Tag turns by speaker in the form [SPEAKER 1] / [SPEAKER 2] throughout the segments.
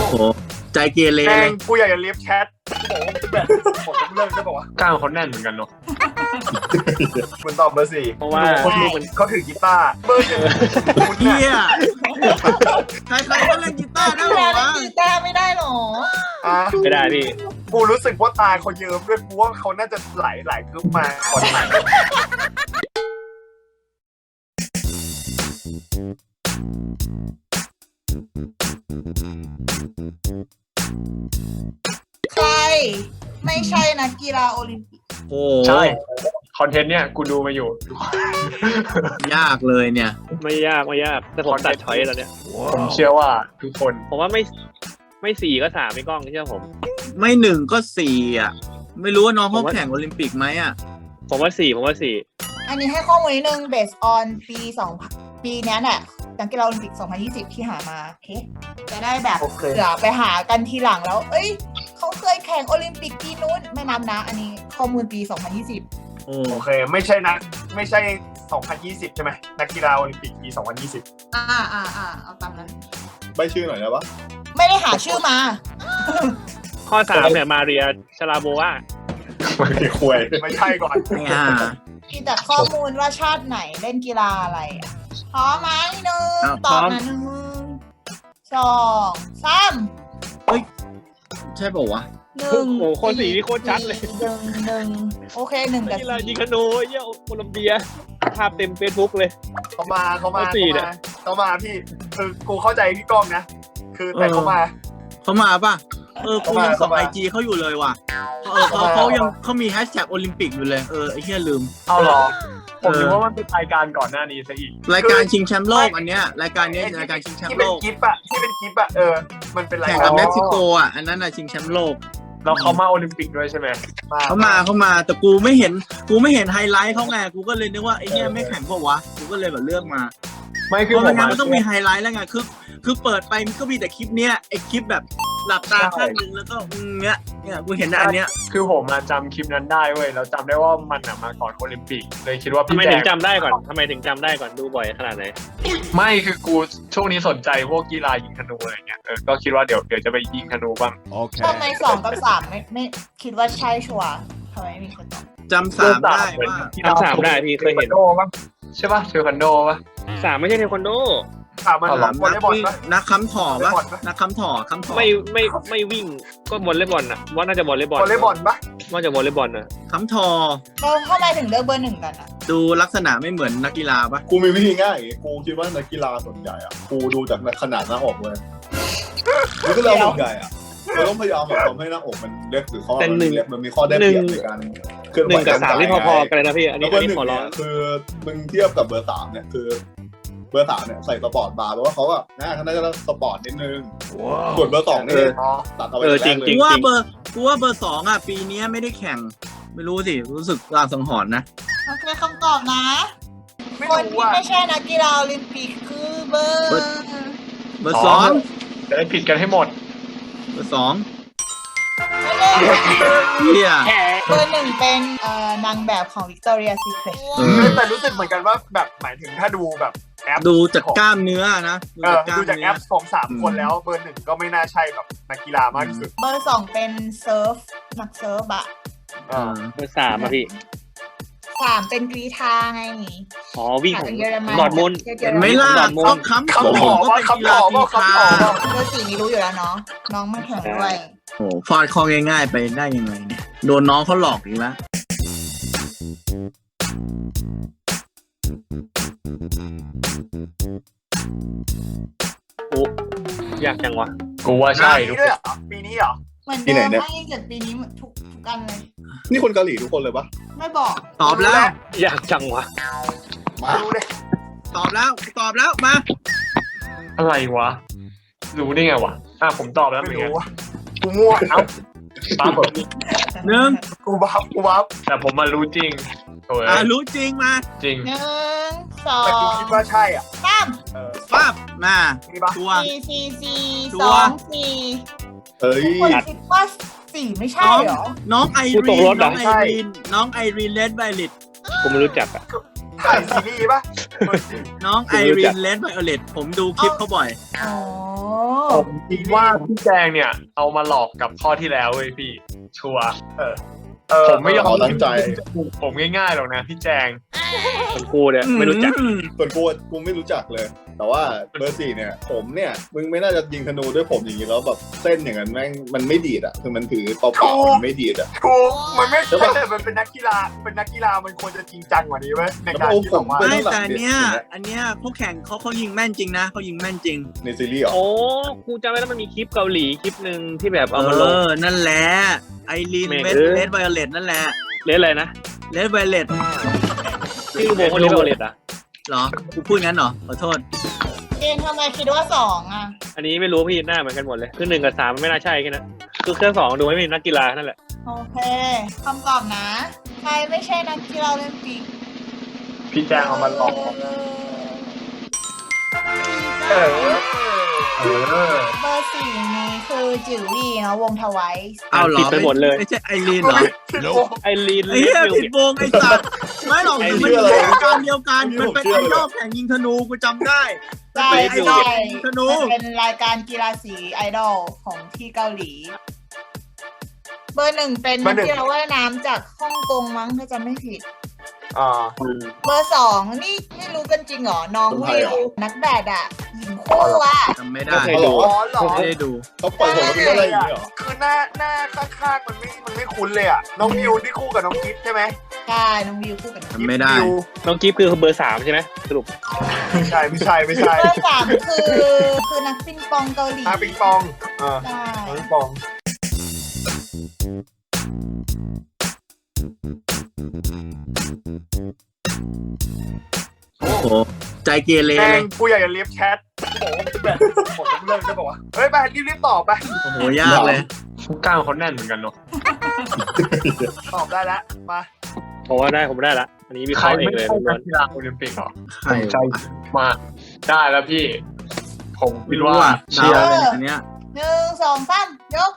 [SPEAKER 1] โหใจเกเร
[SPEAKER 2] แม่
[SPEAKER 1] เล
[SPEAKER 2] ง
[SPEAKER 1] ย
[SPEAKER 2] กูอยากจะเลียบแชทบอกว่าแบบผมเรื่องจะบอกว่าก
[SPEAKER 3] ล้ามเขาแน่นเหมือนกันเนาะ
[SPEAKER 2] คุณตอบเบอร์4
[SPEAKER 4] เพราะว่า
[SPEAKER 2] คนดูเขาถือกีตาร์เบอร์1คุณ
[SPEAKER 1] เฮี
[SPEAKER 2] เนี่ย
[SPEAKER 1] ยใครๆก็เล่นกีตาร์ได้หรอ
[SPEAKER 5] แล้ว
[SPEAKER 1] วะ
[SPEAKER 5] กีตาร์ไม่ได้หรอ
[SPEAKER 2] อ่ะ
[SPEAKER 4] ไม่ได้พี่
[SPEAKER 2] กูรู้สึกว่าตาเขาเยิ้มด้วยกูว่าเขาน่าจะไหลกึ๊บมาก่อนไหน
[SPEAKER 5] ใครไม่ใช่นักกีฬาโอลิมปิก
[SPEAKER 1] โอ้
[SPEAKER 3] ใช่คอนเทนต์เนี่ยกูดูมาอยู่
[SPEAKER 1] ยากเลยเนี่ย
[SPEAKER 4] ไม่ยากแต่ผมตัดช้อยแล้วเนี่ย
[SPEAKER 3] ผมเชื่อว่าทุกคน
[SPEAKER 4] ผมว่าไม่สี่ก็3ไม่กล้องเชื่อผม
[SPEAKER 1] ไม่1ก็4อ่ะไม่รู้ว่าน้องเขาแข่งโอลิมปิกไหมอ่ะ
[SPEAKER 4] ผมว่าสี่
[SPEAKER 5] อันนี้ให้ข้อมูลนิดนึง based on ปีนี้แหละนักกีฬาโอลิมปิก 2020 ที่หามาโอเคจะได้แบบเผื่อไปหากันทีหลังแล้ว เอ้ยเขาเคยแข่งโอลิมปิกปีนู้นไม่นับนะ อันนี้ข้อมูลปี 2020
[SPEAKER 1] โอ้
[SPEAKER 2] โอเคไม่ใช่ 2020 ใช่ไหมนักกีฬาโอลิมปิกปี 2020
[SPEAKER 5] เอาตามนั้น
[SPEAKER 6] ใบชื่อหน่อยได้ปะ
[SPEAKER 5] ไม่ได้หาชื่อมา
[SPEAKER 4] ข้อ3เนี่ยมาเรียชลาโบวา
[SPEAKER 3] ไม่ได้คุย
[SPEAKER 2] ไม่ใช่ก่อน
[SPEAKER 1] ไม่อ่า
[SPEAKER 5] มีแต่ข้อมูลว่าชาติไหนเล่นกีฬาอะไรอะพร้อมไหมหนึ่ง
[SPEAKER 1] อ้าว
[SPEAKER 5] ตอบ
[SPEAKER 1] พร้อม
[SPEAKER 5] นะ1 2
[SPEAKER 1] ใช่ป่าวะ
[SPEAKER 5] 3 1
[SPEAKER 4] โอ้โหข้อ4นี่โคตรชัดเลย
[SPEAKER 5] หนึ่งโอเค1 กับ
[SPEAKER 4] กีฬายิง
[SPEAKER 5] 4
[SPEAKER 4] ธนูเยี่ยโคลัมเบียภาพเต็มเฟซบุ๊กเลย
[SPEAKER 2] เขามา
[SPEAKER 4] ข้อสี่เนี่ย
[SPEAKER 2] พี่คือกูเข้าใจพี่ก้องนะคือแต่เขามา
[SPEAKER 1] เขามาป่ะกูยังส่อง
[SPEAKER 2] เขามา
[SPEAKER 1] ไอจีเขาอยู่เลยว่ะเขามีแฮชแท็กโอลิมปิกอยู่เลยไอ้เหี้ยลืม
[SPEAKER 3] เอาหรอผมนึกว่ามันเป็นรายการก่อนหน้านี้ซะอีก
[SPEAKER 1] รายการชิงแชมป์โลกอันเนี้ยรายการนี้รายการชิงแชม
[SPEAKER 2] ที่
[SPEAKER 1] ป์
[SPEAKER 2] เป็
[SPEAKER 1] โล
[SPEAKER 2] น
[SPEAKER 1] ก
[SPEAKER 2] กิฟต์อะมันเป็นราย
[SPEAKER 1] แข่ง
[SPEAKER 2] การ
[SPEAKER 1] กับเม็กซิโกอ่ะอันนั้นน่ะชิงแชมป์โลก
[SPEAKER 3] แล้วเขามาโอลิมปิกด้วยใช่ไหม
[SPEAKER 1] เขามาแต่กูไม่เห็นไฮไลท์เขาไงกูก็เลยนึกว่าไอ้เนี้ยไม่แข่งปะวะกูก็เลยแบบเลือกมา
[SPEAKER 3] ไม่
[SPEAKER 1] เพ
[SPEAKER 3] คือ
[SPEAKER 1] ราะ
[SPEAKER 3] ผ
[SPEAKER 1] ไม่
[SPEAKER 3] ม
[SPEAKER 1] งั้นมันต้องมีไฮไลท์แล้วไงคือเปิดไปมันก็มีแต่คลิปเนี้ยไอ้คลิปแบบหลับตาข้างนึงแล้วก็เนี้ยกูเห็นแต่อันเนี้ย
[SPEAKER 3] คือผมจำคลิปนั้นได้เว้ยแล้วจำได้ว่ามันมาก่อนโอลิมปิกเลยคิดว่า
[SPEAKER 4] ทำ
[SPEAKER 3] พี่
[SPEAKER 4] ไม
[SPEAKER 3] แจ
[SPEAKER 4] ถึ
[SPEAKER 3] ง
[SPEAKER 4] งจำได้ก่อนดูบ่อยขนาดไหน
[SPEAKER 3] ไม่คือกูช่วงนี้สนใจพวกกีฬายิงธนูอะไรเงี้ยก็คิดว่าเดี๋ยวจะไปยิงธนูบ้าง
[SPEAKER 5] ทำไม2 กับ 3ไม่คิดว่าใช่ชัวร์ทำไมไม่มีคนตอบ
[SPEAKER 1] จำสามได้ว่า
[SPEAKER 4] จำ3ได้พี่เคยเห็น
[SPEAKER 3] โดป่ะใช่ป่ะเทควันโดป่ะ
[SPEAKER 4] 3ไม่ใช่เทควันโด
[SPEAKER 2] ถามมัน
[SPEAKER 3] เอาหรอ
[SPEAKER 2] วอลเลย์บอลปะ
[SPEAKER 1] นักค้ำถ่อปะนักค้ำถ่อ
[SPEAKER 4] ไม่วิ่งก็วอลเลย์บอลนะว่าน่าจะวอลเลย์บอล
[SPEAKER 2] วอลเลย์บอลปะ
[SPEAKER 4] ว่าจะวอลเลย์บอลนะ
[SPEAKER 1] ค้ำถ่อ
[SPEAKER 5] เราเข้ามาถึงเลือกเบอร์ 1 กันอ่ะ
[SPEAKER 1] ดูลักษณะไม่เหมือนนักกีฬาปะ
[SPEAKER 6] กูมีวิธีง่ายอย่างงี้กูคิดว่านักกีฬาส่วนใหญ่อะกูดูจากขนาดหน้าอกเลยนักกีฬาส่วนใหญ่อะเราต้องพยายามแบบทำให้หน้าอกมันเล็กหรือข้อมันมีข้อได้เปรียบในการเคลื่อนไหว
[SPEAKER 4] 1 กับ 3นี่พอๆกันเลยนะพี่อัน
[SPEAKER 6] แล้
[SPEAKER 4] นี้
[SPEAKER 6] วเบอร์หนึ่
[SPEAKER 4] ข
[SPEAKER 6] ง
[SPEAKER 4] อร้อ
[SPEAKER 6] เนี่
[SPEAKER 4] ง
[SPEAKER 6] ยคือมึงเทียบกับเบอร์ 3เนี่ยคือเบอร์ 3เนี่ยใส่สปอร์ตบาร์เพราะว่าเขาอะน่าจะสปอร์ตนิดนึงส่วนเบอร์ 2นี่ตัดเอาไปแต่แรกเลย
[SPEAKER 1] กูว่าเบอร์2อ่ะปีนี้ไม่ได้แข่งไม่รู้สิรู้สึกลางสังหรณ์นะ
[SPEAKER 5] โอเคคำตอบนะ
[SPEAKER 2] ไม่
[SPEAKER 5] คน
[SPEAKER 2] รู้
[SPEAKER 5] ที่
[SPEAKER 2] ว่า
[SPEAKER 5] ไม่ใช่นักกีฬาโอลิมปิกคือเบอร์
[SPEAKER 1] เบอร์สอง
[SPEAKER 3] จะได้ผิดกันให้หมด
[SPEAKER 1] เบอร์สอง
[SPEAKER 5] ไม่เล่น
[SPEAKER 1] เฮีย
[SPEAKER 5] เบอร์ 1 เป็นนางแบบของ Victoria Secret
[SPEAKER 2] แต่รู้สึกเหมือนกันว่าแบบหมายถึงถ้าดูแบบแอป
[SPEAKER 1] ดูจากกล้ามเนื้อนะ
[SPEAKER 2] ดูจากแอปของ3 คนแล้วเบอร์ 1ก็ไม่น่าใช่แบบนักกีฬามากที่สุด
[SPEAKER 5] เบอร์ 2 เป็นเซิร์ฟนักเซิร์ฟอะ
[SPEAKER 4] เบอร์3อ่ะพี่
[SPEAKER 5] 3 เป็นกรีธาไง
[SPEAKER 4] อ๋อวิ่งของ
[SPEAKER 5] เยอรมัน
[SPEAKER 4] ดอร์ทมุนด์
[SPEAKER 1] เห็นไหม่ล่ะ
[SPEAKER 4] ดอร์ทมุนด์
[SPEAKER 1] ต้องค้ำถ่อก็เป็นกีฬาทีคา
[SPEAKER 5] เบอร์ 4 นี่รู้อยู่แล้วเนาะน้องมาแข่งด้วย
[SPEAKER 1] โอ้ฟาดคอง่ายๆไปได้ยังไงเนี่ยโดนน้องเขาหลอกอีกแล้ว
[SPEAKER 4] โอ้ยากจังวะ
[SPEAKER 3] กูว่าใช่ทุก
[SPEAKER 2] ปีนี้เหรอ
[SPEAKER 5] เหมือนเดิมให้เกิดปีนี้ทุกอันเลย
[SPEAKER 6] นี่คนเกาหลีทุกคนเลยปะ
[SPEAKER 5] ไม่บอก
[SPEAKER 1] ตอบแล้ว
[SPEAKER 4] ยากจังวะ
[SPEAKER 6] มา
[SPEAKER 2] รู้เลย
[SPEAKER 1] ตอบแล้วมา
[SPEAKER 3] อะไรวะรู้ได้ไงวะผมตอบแล้วเหมื
[SPEAKER 2] ไม่
[SPEAKER 3] อนกัน
[SPEAKER 2] รู้ว่ากูมั่ว
[SPEAKER 3] ตามผม
[SPEAKER 1] หนึ่ง
[SPEAKER 2] กูบัฟ
[SPEAKER 3] แต่ผมมารู้จริงโอ้ย
[SPEAKER 1] รู้จริงมา
[SPEAKER 3] จริง
[SPEAKER 5] 1 2
[SPEAKER 2] แต่กูคิดว่าใช่อ่ะ
[SPEAKER 5] 3
[SPEAKER 1] ปั๊บมา
[SPEAKER 2] นี่ปะ
[SPEAKER 1] ตัว
[SPEAKER 5] 4
[SPEAKER 1] ตัว
[SPEAKER 5] 2 4
[SPEAKER 6] เอ้ย
[SPEAKER 5] คนคิดว่า4ไม่ใช่เหรอ
[SPEAKER 1] น้องไอ
[SPEAKER 4] กูต
[SPEAKER 1] รี
[SPEAKER 4] กรถ
[SPEAKER 1] น
[SPEAKER 4] เหรอ
[SPEAKER 1] น้องไอรีนเลดไวลิต
[SPEAKER 4] กูไม่รู้จักอ่ะ
[SPEAKER 2] ถ่ายซีรีส์ปะ
[SPEAKER 1] น้องไอรีนเลนไวโอเลตผมดูคลิปเขาบ่อย
[SPEAKER 5] อ๋อ
[SPEAKER 3] ผมคิดว่าพี่แจงเนี่ย เอามาหลอกกับข้อที่แล้วเว้ยพี่ ชัวร์ผมไม่ยอม
[SPEAKER 6] เขาตั้งใจ
[SPEAKER 3] ผมง่ายๆหรอกนะพี่แจง
[SPEAKER 4] คนกูเนี่ยไม่รู้จัก
[SPEAKER 6] ส่วนกูไม่รู้จักเลย แต่ว่าเบอร์4เนี่ยผมเนี่ยมึงไม่น่าจะยิงธนูด้วยผมอย่างนี้แล้วแบบเส้นอย่างนั้นแม่งมันไม่ดีดอ่ะคือมันถือเปล่าๆมันไม่ดีดอ่ะ
[SPEAKER 2] ถูกมันไม่ใช่แต่มันเป็นนักกีฬามันควรจะจริงจังกว่านี้ไหมในการที่แบบว่า
[SPEAKER 1] ไม่แต่อันเนี้ยพวกแข่งเขายิงแม่นจริงนะเขายิงแม่นจริง
[SPEAKER 6] ในซีรีส์เหรอ
[SPEAKER 4] โอ้กูจำได้แล้วมันมีคลิปเกาหลีคลิปหนึ่งที่แบบเอามาลง
[SPEAKER 1] นั่นแหละไอรีน
[SPEAKER 4] แม่ง
[SPEAKER 1] เลนไวโอเลตนั่นแหละ
[SPEAKER 4] เล่นอะไรนะ
[SPEAKER 1] เลนไวโอเลต
[SPEAKER 4] ชื่อวงเขาเรียกว่าเลดอ่ะ
[SPEAKER 1] เหรอกูพูดงั้นเหรอขอโทษ
[SPEAKER 5] เจนทำไมคิดว่า2อ่ะ
[SPEAKER 4] อันนี้ไม่รู้พี่หน้าเหมือนกันหมดเลยคือ1 กับ 3มันไม่น่าใช่แค่นั้นคือเครื่อง2ดูไม่มีนักกีฬานั่นแหละ
[SPEAKER 5] โอเคคำตอบนะ ใครไม่ใช่นักกีฬาโอลิมปิก
[SPEAKER 3] พี่แจงเอามาหลอก
[SPEAKER 2] เออ
[SPEAKER 5] เบอร์4นี้คือจิ๋ววี่เนาะวงทวาย
[SPEAKER 1] เอาเหรอ
[SPEAKER 4] ผิดไปหมดเลย
[SPEAKER 1] ไม่ใช่ไอรีนเหรอ
[SPEAKER 4] ไอรีน
[SPEAKER 1] ไอ้เหี้ยผิดวงไอ้สัตว์ไม่หรอกมันเป็นวงการเดียวกันมันเป็นไอดอลแข่งยิงธนูกูจำได้
[SPEAKER 5] ใช่
[SPEAKER 1] ไอดอ
[SPEAKER 5] ใช่
[SPEAKER 1] ลยิงธนู
[SPEAKER 5] มันเป็นรายการกีฬาสีไอดอลของที่เกาหลี เบอร์1เป็นนักกีฬาว่ายน้ำจากฮ่องกงมั้งถ้าจำไม่ผิด เบอร์2นี่ไม่รู้กันจริงเหรอ น้องวิวนักแบดอ่ะหญิงคู่อ่ะ
[SPEAKER 1] จำไม่ได้
[SPEAKER 4] ไม่เคยดู
[SPEAKER 2] อ๋อเหรอ
[SPEAKER 1] ไม่ได้ดู
[SPEAKER 6] เขาปล่อยผมมาเป็นอะไรอย่างนี้เหรอ
[SPEAKER 2] คือหน้าข้างๆมันไม่คุ้นเลยอ่ะน้องมิวที่คู่กับน้องกิ๊ฟใช่ไหม
[SPEAKER 5] ใช่น้องวิวคู่กับน้อง
[SPEAKER 1] จำไม่ได้
[SPEAKER 2] กิ๊ฟ
[SPEAKER 4] น้องกิฟต์คือเบอร์3ใช่ไหมสรุป
[SPEAKER 2] ไม่ใช่
[SPEAKER 5] เบอร์3คือนักปิงปองเกาหลี
[SPEAKER 2] ปิงปอง
[SPEAKER 5] ใช่
[SPEAKER 2] ปิงปอง
[SPEAKER 1] โอ้โหใจเกเร
[SPEAKER 2] แม่
[SPEAKER 1] เล
[SPEAKER 2] ง
[SPEAKER 1] ย
[SPEAKER 2] กูอยากจะเลียบแชทบอกว่าแบบผมเลิกจะบอกว่าเฮ้ยไปรีบตอบไป
[SPEAKER 1] โอ้โหยากเลย
[SPEAKER 3] กล้ามเขาแน่นเหมือนกันเนาะ
[SPEAKER 2] ตอบได้แล้วมา
[SPEAKER 4] ผมว่าได้ผมได้ละอันนี้วิเค
[SPEAKER 3] ใคร
[SPEAKER 4] ราะห์เอง
[SPEAKER 3] ไม่
[SPEAKER 4] เลย
[SPEAKER 3] ใช่
[SPEAKER 4] ล้
[SPEAKER 3] นั
[SPEAKER 4] ว
[SPEAKER 3] ก
[SPEAKER 4] น
[SPEAKER 3] กีฬาโอลิมปิกเหรอ
[SPEAKER 1] ใคร
[SPEAKER 3] ใจมากได้แล้วพี่ ผมคิ
[SPEAKER 1] ไม่
[SPEAKER 3] ด
[SPEAKER 1] รู้
[SPEAKER 3] ว่า
[SPEAKER 1] อ่ะ
[SPEAKER 3] เชียร์
[SPEAKER 1] เดาเลยอันเนี้ย
[SPEAKER 5] 1 2 3ยก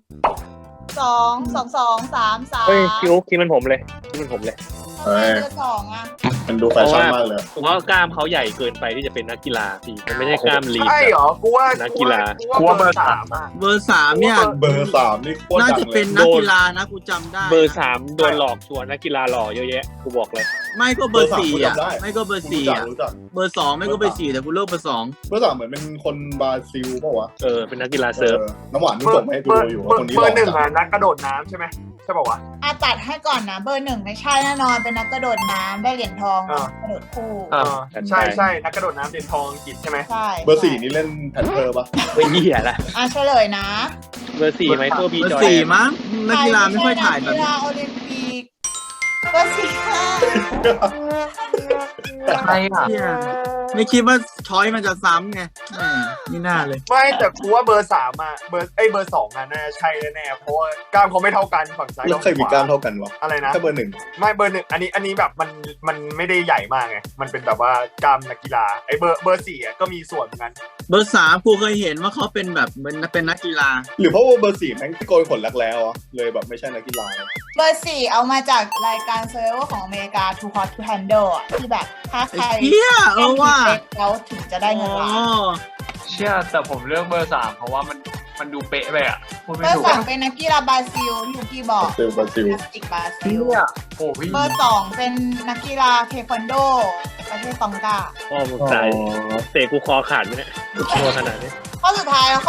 [SPEAKER 5] 2 2 2 3 3
[SPEAKER 4] เฮ้ยคิวคิดมันผมเลยคิดมันผมเลย
[SPEAKER 5] ทำไมเบอร์2อ่ะ
[SPEAKER 6] มันดูแฟชั่นมากเลย
[SPEAKER 4] ผมว่ากล้ามเขาใหญ่เกินไปที่จะเป็นนักกีฬาพี่มันไม่ใช่กล้ามลีน
[SPEAKER 2] ใช่เหรอกูว่า
[SPEAKER 4] นักกีฬา
[SPEAKER 2] กูว่าเบอร์ 3อ่ะ
[SPEAKER 1] เบอร์3เนี่ย
[SPEAKER 6] เบอร์3นี่โคตร
[SPEAKER 1] น่า
[SPEAKER 6] ดั
[SPEAKER 1] จะ
[SPEAKER 6] งเล
[SPEAKER 1] เป็
[SPEAKER 6] ย
[SPEAKER 1] นนักกีฬานะกูจำได้
[SPEAKER 4] เบอร์3โดนหลอกชวนนักกีฬาหล่อเยอะแยะกูบอกเลย
[SPEAKER 1] ไม่ก็เบอร์4อ่ะ
[SPEAKER 6] เบอร์สามกูจำได้
[SPEAKER 1] ไม่ก็เบอร์
[SPEAKER 6] รู้
[SPEAKER 1] 4
[SPEAKER 6] จัก
[SPEAKER 1] อ่ะ
[SPEAKER 6] รู้จัก
[SPEAKER 1] เบอร์2ไม่ก็เบอร์4แต่กูเลือกเบอร์2
[SPEAKER 6] เบอร์3เหมือนเป็นคนบราซิลเปล่าวะ
[SPEAKER 4] เป็นนักกีฬาเซิร์ฟ
[SPEAKER 6] น้ำหวานมึงส่งมาให้กูดูอยู่ว่าคนนี้
[SPEAKER 2] เบ
[SPEAKER 6] ห
[SPEAKER 2] อ
[SPEAKER 6] ล่อ
[SPEAKER 2] ร์หนึ่ง
[SPEAKER 6] จั
[SPEAKER 2] อ่ะ
[SPEAKER 6] ง
[SPEAKER 2] นักกระโดดน้ำใช่ไหมใช่ป่าวะ
[SPEAKER 5] ตัดให้ก่อนนะเบอร์1ไม่ใช่แน่นอนเป็นนักกระโดดน้ำได้เหรียญทองกระโดดคู่
[SPEAKER 2] ใช่นักกระโดดน้ำเหรียญทองอังกฤษใช่ไหม
[SPEAKER 5] ใช่
[SPEAKER 6] เบอร์4นี่เล่นแพนเทอร์ปะ
[SPEAKER 4] ไม่เหี้ยละ
[SPEAKER 5] เฉลยนะ
[SPEAKER 4] เบอร์4ไมเคิลบี
[SPEAKER 1] เบอ
[SPEAKER 4] จอ
[SPEAKER 1] ร์
[SPEAKER 4] ย
[SPEAKER 1] 4มั้งนักกีฬาไม่ค่อยถ่ายแบบ
[SPEAKER 5] นักกี
[SPEAKER 1] นี้
[SPEAKER 5] ฬาโอลิมปิกเบอร์4ค่ะ
[SPEAKER 3] ใครอ่ะ
[SPEAKER 1] เหี้ยไม่คิดว่าช้อยมันจะซ้ำไงแหมไม่น่าเลย
[SPEAKER 2] ไม่แต่กูว่าเบอร์ 3อ่ะเบอร์2อ่ะน่าใช่แน่ๆเพราะว่ากล้ามเขาไม่เท่ากันฝั่งซ้าย
[SPEAKER 6] แล้วเคยมีกล้ามเท่ากันวะ
[SPEAKER 2] อะไรนะ
[SPEAKER 6] ถ้าเบอร์
[SPEAKER 2] ไม่เบอร์ 1อันนี้แบบมันไม่ได้ใหญ่มากไงมันเป็นแบบว่ากล้ามนักกีฬาไอ้เบอร์4อ่ะก็มีส่วนเหมือนกัน
[SPEAKER 1] เบอร์3กูเคยเห็นว่าเขาเป็นแบบเป็นนักกีฬา
[SPEAKER 6] 1หรือเพราะว่าเบอร์4แม่งโกนขนรักแล้วอ่ะเลยแบบไม่ใช่นักกีฬา
[SPEAKER 5] เบอร์4เอามาจากรายการเซอร์เวอร์ของอเมริกา Too Hot to Handle อ่ะที่แบบถ้าใคร
[SPEAKER 1] ไอ้เหี้ยว่า
[SPEAKER 5] แล้วถึงจะได้เงินล้าน
[SPEAKER 3] เชื่อแต่ผมเลือกเบอร์3เพราะว่ามันดูเป๊ะไปอ่ะพูด
[SPEAKER 5] เบ
[SPEAKER 3] ไม่
[SPEAKER 5] อ
[SPEAKER 3] ถู
[SPEAKER 5] ร์
[SPEAKER 3] ก
[SPEAKER 5] 2เป็นนักกีฬาบราซิลที่ยูกี้บอก
[SPEAKER 6] บราซิล
[SPEAKER 5] นักจิกบราซิล
[SPEAKER 3] โอ้พี่
[SPEAKER 5] เบอร์2เป็นนักกีฬาเทควันโดประเทศตองกา
[SPEAKER 4] พ่อมึงตายเตะกูคอขาดไหมเนี่ยตัวขนาดนี้
[SPEAKER 5] ข้อสุดท้ายแล้ว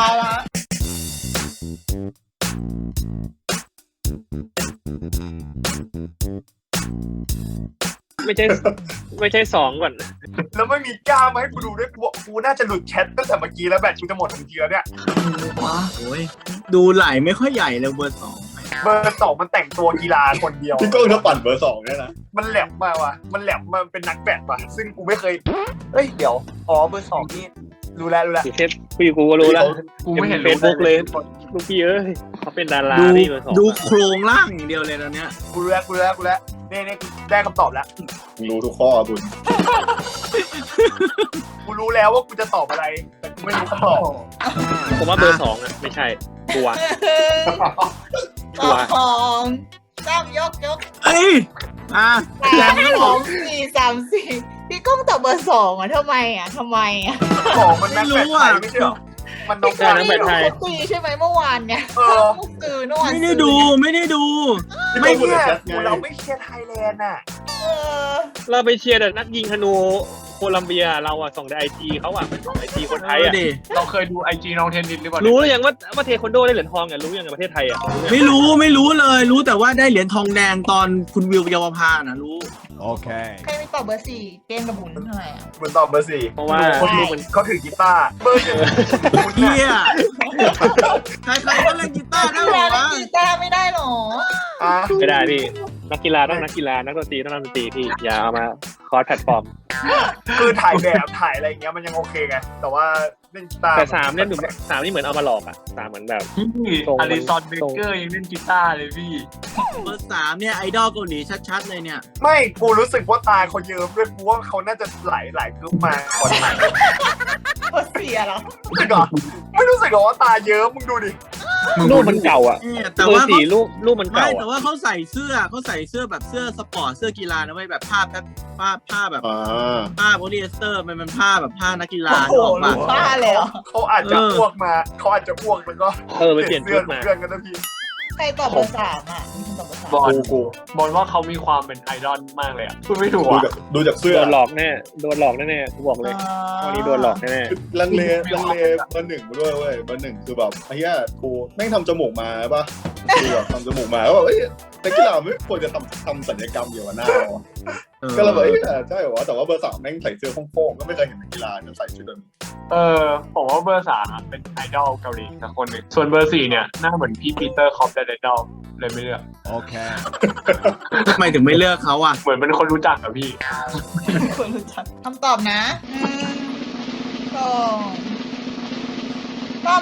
[SPEAKER 4] ไม่ใช่2ก่อน
[SPEAKER 2] แล้วไม่มีกล้ามมาให้กูดูด้วยกูน่าจะหลุดแชทตั้งแต่เมื่อกี้แล้วแบตกูจะหมดทันทีแล้วเนี่ย
[SPEAKER 1] โอ้ยดูไหลไม่ค่อยใหญ่เลยเบอร์2
[SPEAKER 2] เบอร์2มันแต่งตัวกีฬาคนเดียว
[SPEAKER 6] พี่ก้องถ้าปั่นเบอร์2เนี่ยนะ
[SPEAKER 2] มันแหลมมาว่ะมันแหลมมาเป็นนักแบดว่ะซึ่งกูไม่เคยเอ้ยเดี๋ยวเบอร์2นี่รู้แล้ว
[SPEAKER 4] อยู่เทปกูก็รู้แล้ว
[SPEAKER 3] กูไม่เห็น
[SPEAKER 4] เฟซบุ๊กเลยลูกพี่เอ้ยเขาเป็นดารา
[SPEAKER 1] ดู
[SPEAKER 4] พี่เบอร์2
[SPEAKER 1] ดูโครงร่างอย่างเดียวเลยตอนเนี้ย
[SPEAKER 2] กูรู้แล้วนี่กูได้คำตอบแล้ว
[SPEAKER 6] รู้ทุกข้อคุณ
[SPEAKER 2] กูรู้แล้วว่ากูจะตอบอะไรแต่กูไม่รู้คำตอบ
[SPEAKER 4] ผมว่าเบอร์2อ่ะไม่ใช่ตัว
[SPEAKER 5] ของ 3 ยก
[SPEAKER 1] เอ้ยแรงก็บอก
[SPEAKER 5] 3 4 พี่ก้องตอบเบอร์ 2อ่ะทำไมอ่ะ
[SPEAKER 2] ของมันนักแบดไทยไม่ใช่หรอมันน้อง
[SPEAKER 4] ใช่นักแบดไทย
[SPEAKER 5] เขาตีใช่ไหมเมื่อวานเนี่ย
[SPEAKER 2] เออ
[SPEAKER 5] เมื่อวาน
[SPEAKER 1] ไม่ได้ดู
[SPEAKER 2] ไม่เนี่ยเราไม่เชียร์ไทยแลนด์อ่ะ
[SPEAKER 4] เราไปเชียร์แต่นักยิงธนูโคลัมเบียเราอะส่งในไอจีเขาอะไม่ส่งไอจีคนไทยอะ
[SPEAKER 1] ดิ
[SPEAKER 3] เราเคยดูไอจีน้องเทนนิสหรือเปล่า
[SPEAKER 4] รู้หรือยังว่าเทควันโดได้เหรียญทองอะรู้ยังในประเทศไทยอะ
[SPEAKER 1] ไม่รู้เลยรู้แต่ว่าได้เหรียญทองแดงตอนคุณวิวเยาวภานะรู้
[SPEAKER 5] ใครไม่ตอบเบอร์ 4 เกมกับบุญเท่าไหร่อ่ะ
[SPEAKER 2] มันตอบเบอร์ 4
[SPEAKER 4] เพราะว่า
[SPEAKER 2] คนดูมันเขาถือกีตาร์เบอร์ 1
[SPEAKER 1] เฮียใครๆก็เล่นกีตาร์ได้หรอวะ
[SPEAKER 5] กีตาร์ไม่ได้หรอ
[SPEAKER 2] อ่ะ
[SPEAKER 4] ไม่ได้พี่นักกีฬาต้องนักกีฬานักดนตรีต้องนักดนตรีพี่อย่าเอามาคอร์สแพลตฟอร์ม
[SPEAKER 2] คือถ่ายแบบถ่ายอะไรอย่างเงี้ยมันยังโอเคไงแต่ว่าเล่นกีตาร์
[SPEAKER 4] แต่3เนี่ยดู3นี่เหมือนเอามาหลอกอะ3เหมือนแบบ
[SPEAKER 3] พี่อลิซอนเบเกอร์ยังเล่นกีตาร์เลยพี่
[SPEAKER 1] เบอร์ 3เนี่ยไอดอลเกาหลีชัดๆเลยเนี่ย
[SPEAKER 2] ไม่กูรู้สึกว่าตาเขาเยิ้มด้วยกูว่าเขาน่าจะหลายกรุ๊ปมาคนไหน
[SPEAKER 5] เบอร์ 4เหรอ
[SPEAKER 2] รู้สึกเหรอไม่รู้สึกเหรอว่าตาเยิ้มมึงดูดิ
[SPEAKER 4] รูปมันเก่าอะ
[SPEAKER 1] เนี่ยแต่
[SPEAKER 4] เบอ
[SPEAKER 1] ว่า
[SPEAKER 4] ร์สี่รูปมัน
[SPEAKER 1] ไม่
[SPEAKER 4] เก่า
[SPEAKER 1] แต่
[SPEAKER 4] อะ
[SPEAKER 1] ว่าเขาใส่เสื้อแบบเสื้อสปอร์ตเสื้อกีฬานะไม่แบบผ้าแบบ
[SPEAKER 6] อ่า
[SPEAKER 1] ผ้าโพลีเอสเตอร์มันเป็นผ้าแบบผ้านักกีฬา
[SPEAKER 5] โอ้โห
[SPEAKER 1] นึกออกปะ
[SPEAKER 5] บ้าเลยเหรอ
[SPEAKER 2] เขาอาจจะอ้วกมาเขาอาจจะอ้วกแล้วก็
[SPEAKER 4] ไปเปลี่ยนชุดมา
[SPEAKER 2] เพื่อนกันนะพี่
[SPEAKER 5] ใครตอบเบอร์ 3อ่ะมีคนตอบเบอร์
[SPEAKER 3] บอลบอลว่าเขามีความเป็นไอดอลมากเลยอ่ะพูดไม่ถูก
[SPEAKER 6] ดู
[SPEAKER 3] อ่ะ
[SPEAKER 6] จากเสื้อ
[SPEAKER 4] โดนหลอกแน่กูบอกเลย
[SPEAKER 5] 3
[SPEAKER 4] วันนี้โดนหลอกแน่
[SPEAKER 6] ลังเลเบอร์ 1ด้วยเว้ยเบอร์ 1คือแบบไอ้เหี้ยกูแม่งทำจมูกมาป่ะคือแบบทำจมูกมาแล้วแบบเอ้ยนักกีฬาไม่ควรจะทำศัลยกรรมเกี่ยวกับหน้าเรา ก็เลยแบบเอ้ยใช่เหรอแต่ว่าเบอร์ 3แม่งใส่เสื้อโค้งๆก็ไม่เคยเห็นนักกีฬาจะใส่ชุดแบบนี้
[SPEAKER 3] ผมว่าเบอร์3เป็นไอดอลเกาหลีสักคนหนึ่งส่วนเบอร์4เนี่ยหน้าเหมือนพี่ปีเตอร์คอปเดนดอลเลยไม่เลือก
[SPEAKER 1] ทำไมถึงไม่เลือกเขาอ่ะ
[SPEAKER 3] เหมือนเป็นคนรู้จักอะพี่
[SPEAKER 5] คนรู้จักคำตอบนะ2 3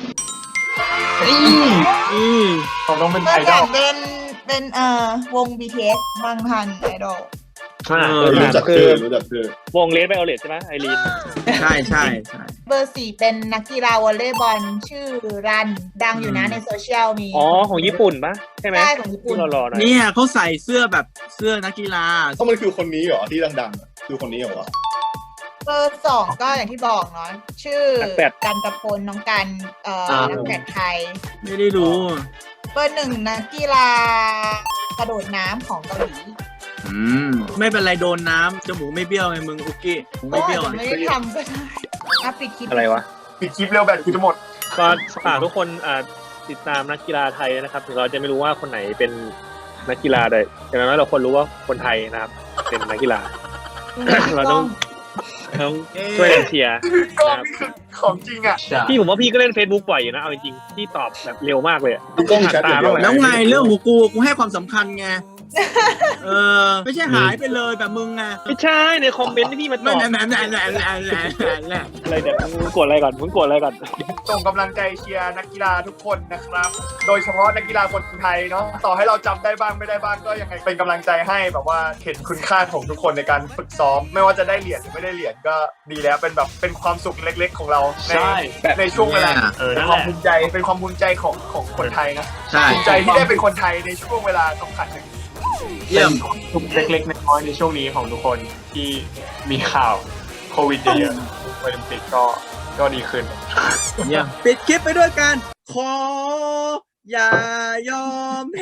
[SPEAKER 3] เขาต้องเป็น
[SPEAKER 5] เบอ
[SPEAKER 3] ไอ
[SPEAKER 5] ร์
[SPEAKER 3] ดอล
[SPEAKER 5] 3เป็นวง BTS บางทันไอดอล
[SPEAKER 6] รู้จักชื่อ
[SPEAKER 4] วงเลสไบโอเลตใช่ไหมไอรีน
[SPEAKER 1] ใช่
[SPEAKER 5] เบอร์ 4 เป็นนักกีฬาวอลเลย์บอลชื่อรันดังอยู่นะในโซเชียลมี
[SPEAKER 4] อ๋อของญี่ปุ่นปะใช่ไหม
[SPEAKER 5] ใช่ของญี่ปุ่น
[SPEAKER 4] ที่รอๆหน่อย
[SPEAKER 1] เนี่ยเขาใส่เสื้อแบบเสื้อนักกีฬา
[SPEAKER 6] เพราะมันคือคนนี้เหรอที่ดังๆอะคือคนนี้เหรอวะ
[SPEAKER 5] เบอร์ 2 ก็อย่างที่บอกเนาะชื่อกันตะพลน้องกันนักแบดไทย
[SPEAKER 1] ไม่ได้รู้
[SPEAKER 5] เบอร์ 1 นักกีฬากระโดดน้ำของเกาหลี
[SPEAKER 1] ไม่เป็นไรโดนน้ำจมูกไม่เบี้ยวไงมึงอุกกี้ไม่เบี้ยว
[SPEAKER 5] อาจจะไม่ได้ทำก็ได้ปิดคลิป
[SPEAKER 4] อะไรวะ
[SPEAKER 2] ปิดคลิปเร็วแบบกูจะหมด
[SPEAKER 4] ก็ฝากทุกคนติดตามนักกีฬาไทยนะครับถึงเราจะไม่รู้ว่าคนไหนเป็นนักกีฬาแต่อย่างน้อยเราควรรู้ว่าคนไทยนะครับ เป็นนักกีฬา เราต้องช่วยกันเชียร์
[SPEAKER 2] ก็
[SPEAKER 4] นะครับ
[SPEAKER 2] นี่คือของจริงอ่ะ
[SPEAKER 4] พี่ผมว่าพี่ก็เล่น Facebook บ่อยอยู่นะเอาจริงๆพี่ตอบแบบเร็วมากเลยอะ
[SPEAKER 6] กล้องแชทอย่างเดียว
[SPEAKER 1] แล้วไงเรื่องของกูให้ความสำคัญไงไม่ใช่หายไปเลยแบบมึงไง
[SPEAKER 4] ไม่ใช่ในคอมเมนต์ที่พี่มาต
[SPEAKER 1] ไม่
[SPEAKER 4] อบ
[SPEAKER 1] แหละ
[SPEAKER 4] อะไรเดี๋ยวมึงกดอะไรก่อน
[SPEAKER 2] ส่งกำลังใจเชียร์นักกีฬาทุกคนนะครับ โดยเฉพาะนักกีฬาคนไทยเนาะต่อให้เราจำได้บ้างไม่ได้บ้างก็ยังไงเป็นกำลังใจให้แบบว่าเห็นคุณค่าของทุกคนในการฝึกซ้อม ไม่ว่าจะได้เหรียญหรือไม่ได้เหรียญก็ดีแล้วเป็นแบบเป็นความสุขเล็กๆของเราในช่วงเวลาเป็นความภูมิใจของคนไทยนะ
[SPEAKER 1] ใช่
[SPEAKER 2] ภูมิใจที่ได้เป็นคนไทยในช่วงเวลาสำคัญหนึ่ง
[SPEAKER 1] เยี่ยม
[SPEAKER 3] ทุกเล็กๆน้อยๆในช่วงนี้ของทุกคนที่มีข่าวโควิดเยอะๆโอลิมปิกก็ดีขึ้น
[SPEAKER 1] เยี่ยมปิดคลิปไปด้วยกันขออย่ายอมแพ้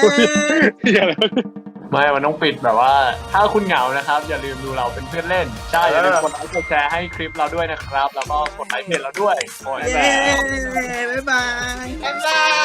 [SPEAKER 3] ไม่มันต้องปิดแบบว่า ถ้าคุณเหงานะครับ อย่าลืมดูเราเป็นเพื่อนเล่น ใช่ อย่าลืมกดไลค์กดแชร์ให้คลิปเราด้วยนะครับ แล้วก็กดไลค์เพจเราด้วยโอ้ย
[SPEAKER 1] เย้บ๊ายบาย
[SPEAKER 5] บ๊ายบาย